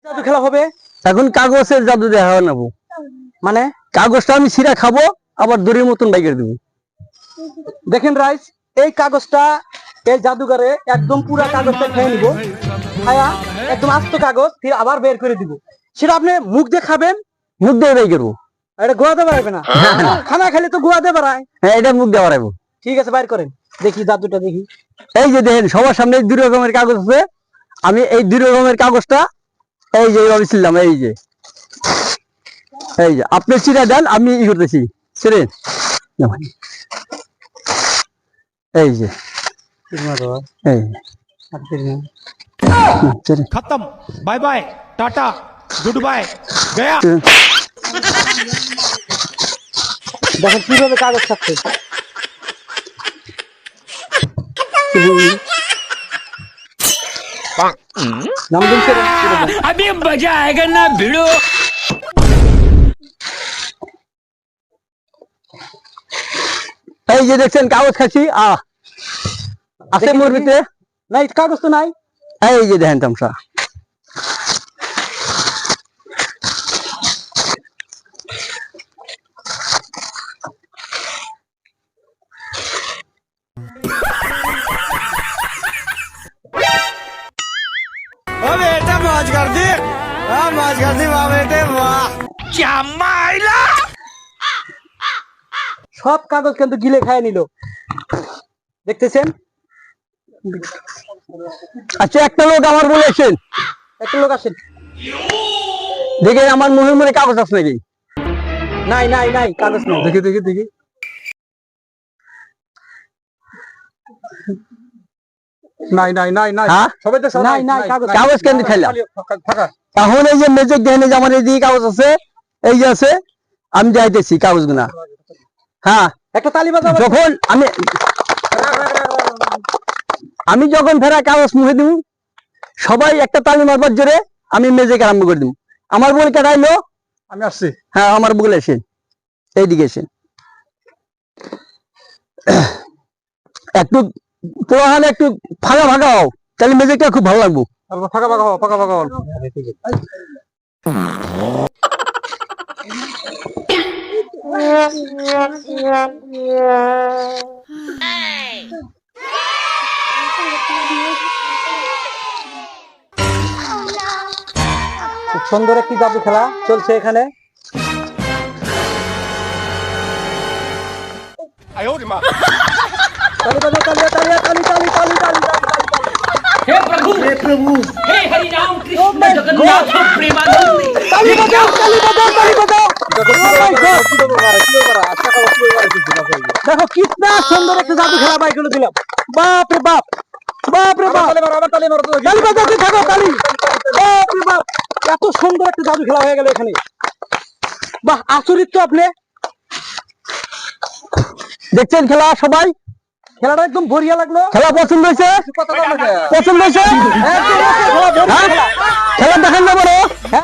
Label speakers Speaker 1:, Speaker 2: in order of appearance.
Speaker 1: জাদু খেলা হবে
Speaker 2: এখন কাগজের জাদু দেখা নেবো,
Speaker 1: মানে
Speaker 2: কাগজটা আমি ছিঁড়া খাবো আবার দড়ির মতন বাইকের দেবো।
Speaker 1: দেখেন রাইস, এই কাগজটা এই জাদুঘরে একদম পুরা কাগজটা খেয়ে নিব, খায়া একদম আস্ত কাগজ ফির আবার বের করে দিব। সেটা আপনি মুখ দিয়ে খাবেন,
Speaker 2: মুখ দিয়ে বাই করবো।
Speaker 1: এটা গোয়াতে পারবে না, খানা খেলে তো গোয়াতে পারায়।
Speaker 2: হ্যাঁ, এটা মুখ দিয়ে বাড়াবো।
Speaker 1: ঠিক আছে, বাইর করেন দেখি জাদুটা দেখি।
Speaker 2: এই যে দেখেন সবার সামনে দুই রকমের কাগজ আছে, আমি এই দুই রকমের কাগজটা এই যে এইভাবে ছিলাম, এই যে আপনি ছিঁড়া দেন, আমি ই করতেছি ছিঁড়ে, এই যে এই
Speaker 3: खत्म, bye bye, tata, good bye, गया।
Speaker 1: দেখেন কিভাবে কাগজ খাচ্ছে।
Speaker 4: अभी मजा आएगा ना भिड़ो।
Speaker 2: এই যে দেখছেন কাগজ খাচ্ছি, আছে মোর ভিতরে
Speaker 1: নাই, কাগজ তো নাই।
Speaker 2: এই যে দেখেন তামসা।
Speaker 3: बेटा मौज कर दी, मौज कर दी वाह बेटे वाह।
Speaker 4: क्या माइला
Speaker 1: সব কাগজ কিন্তু গিলে খায় নিল, দেখতেছেন।
Speaker 2: আচ্ছা, একটা লোক আমার বলেছেন,
Speaker 1: একটা লোক আসেন,
Speaker 2: দেখে আমার মুখের মধ্যে কাগজ আছে নাকি?
Speaker 1: নাই নাই নাই, কাগজ নাই।
Speaker 2: দেখি দেখি দেখি,
Speaker 1: নাই নাই নাই নাই,
Speaker 2: হ্যাঁ?
Speaker 1: সবাই তো নাই নাই,
Speaker 2: কাগজ কেন খাইলাম? এখন এই যে মেজেক দেখেন, এই যে আমার এইদিকে কাগজ আছে, এই যে আছে, আমি যাইতেছি কাগজ গুনা। হ্যাঁ,
Speaker 1: একটা তালি বাজাও।
Speaker 2: যখন আমি যখন ফেরা কাগজ মুখে দিব, সবাই একটা তালি মারবার জোরে আমি মেজেক আরম্ভ করে দিব। আমার বল কেটাইলো,
Speaker 1: আমি আসছি।
Speaker 2: হ্যাঁ, আমার বল এসেন, এইদিকে এসেন। একটু পোড়াহানে একটু ফাঁকা ফাঁকা হও, তাহলে মেজেকটা খুব ভালো লাগবো।
Speaker 1: ফাঁকা ফাঁকা হও, ফাঁকা ফাঁকা হও। খুব সুন্দর একটি জাদু খেলা চলছে এখানে। তালি বাজাও, তালি তালি তালি তালি তালি তালি তালি।
Speaker 4: हे प्रभु हे हरि राम कृष्ण जगन्नाथ प्रेमानंद।
Speaker 1: তালি বাজাও, তালি বাজাও, তালি বাজাও। দেখো কিতনা সুন্দর একটা জাদু খেলা বাইক করে দিলাম। বাপ রে বাপ, বাপ রে বাপ। তালি বাজাতে থাকো, তালি। বাপ রে বাপ, এত সুন্দর একটা জাদু খেলা হয়ে গেল এখানে। বাহ, আচরিত তো আপনি।
Speaker 2: দেখছেন খেলা সবাই?
Speaker 1: খেলাটা একদম বঢ়িয়া লাগলো।
Speaker 2: খেলা পছন্দ হয়েছে? পছন্দ হয়েছে?
Speaker 1: একদম খেলা বঢ়িয়া খেলা।
Speaker 2: খেলা দেখেন না বড়?